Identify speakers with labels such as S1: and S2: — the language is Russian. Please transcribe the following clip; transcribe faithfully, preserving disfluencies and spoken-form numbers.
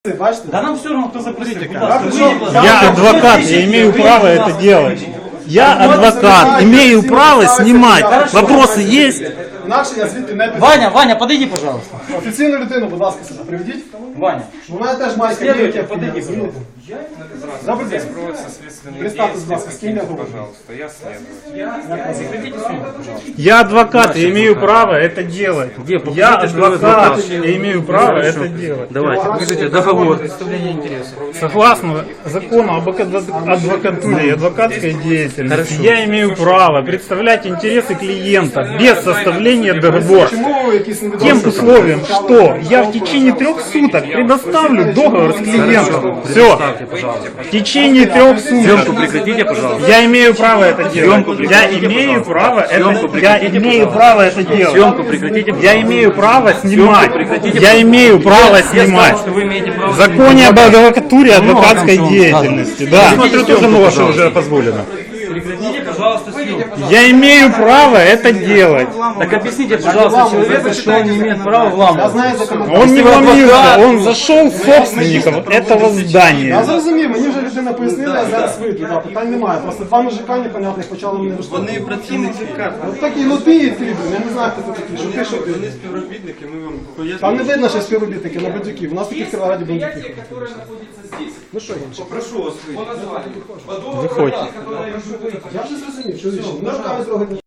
S1: Бачите?
S2: Да нам все равно, кто запросит.
S3: Я адвокат, я имею право это делать. Я адвокат, имею право снимать. Вопросы есть?
S1: Інакше я звідти не піду.
S2: Ваня, Ваня, подойди, пожалуйста.
S1: Офіційну людину, будь ласка, сюди приведіть.
S2: Ваня.
S1: У мене теж майка є,
S2: Следуйте,
S1: як
S2: подойди,
S1: розумієте? Добрий день. Представтесь, будь ласка, з ким я говорю?
S4: Пожалуйста, я следователь.
S2: Прекратите съемку, пожалуйста.
S3: Я адвокат, я имею право это делать. Я адвокат, я имею право это делать.
S5: Давайте, покажите договор.
S2: Представление интересов.
S3: Согласно закону об адвокатуре и адвокатской деятельности, я имею право представлять интересы клиента без составления договора.
S1: Чому ви якісь
S3: Тем
S1: невідомі?
S3: условием, что я в течение трех суток предоставлю договор с клиентом. Все. В течение трех
S5: Съемку
S3: суток.
S5: прекратите, пожалуйста.
S3: Я имею право это делать.
S5: Съемку
S3: Я
S5: прекратите,
S3: имею
S5: пожалуйста.
S3: право это.
S5: Съемку
S3: Я
S5: прекратите,
S3: имею
S5: пожалуйста.
S3: право это делать.
S5: Съемку прекратите,
S3: Я имею право снимать.
S5: прекратите,
S3: Я имею право
S5: Я
S3: снимать.
S5: сказал, что вы имеете право.
S3: В законе об адвокатуре и адвокатской
S2: там,
S3: деятельности. Да.
S5: Смотрю, тоже нож уже
S3: позволено.
S2: Прекратите, пожалуйста, съемку.
S3: Я имею право это делать.
S5: Так объясните, пожалуйста, человеку, что он не имеет права
S1: Я
S5: вламывать.
S1: знаю законодавство.
S3: Он не вломился, он зашел в собственников этого
S1: Я
S3: здания.
S1: зрозумів, мені вже людина пояснила, я зараз вийду, да, питань немає. Просто два мужика непонятних почали мене виштовхувати.
S6: Вони працівники.
S1: От такі, ну ти і ти, блін, я не знаю, хто ти такий, що ти, що ти.
S6: Вони співробітники, ми вам
S1: Там
S6: пояснимо.
S1: не видно, що співробітники, на бандюків. У нас таких в Кіровограді бандюків. Ну що, інше?
S6: Прошу вас вийти.
S3: Выходите.
S1: Я вже зрозумів, що рішення. Ну, руками трогати.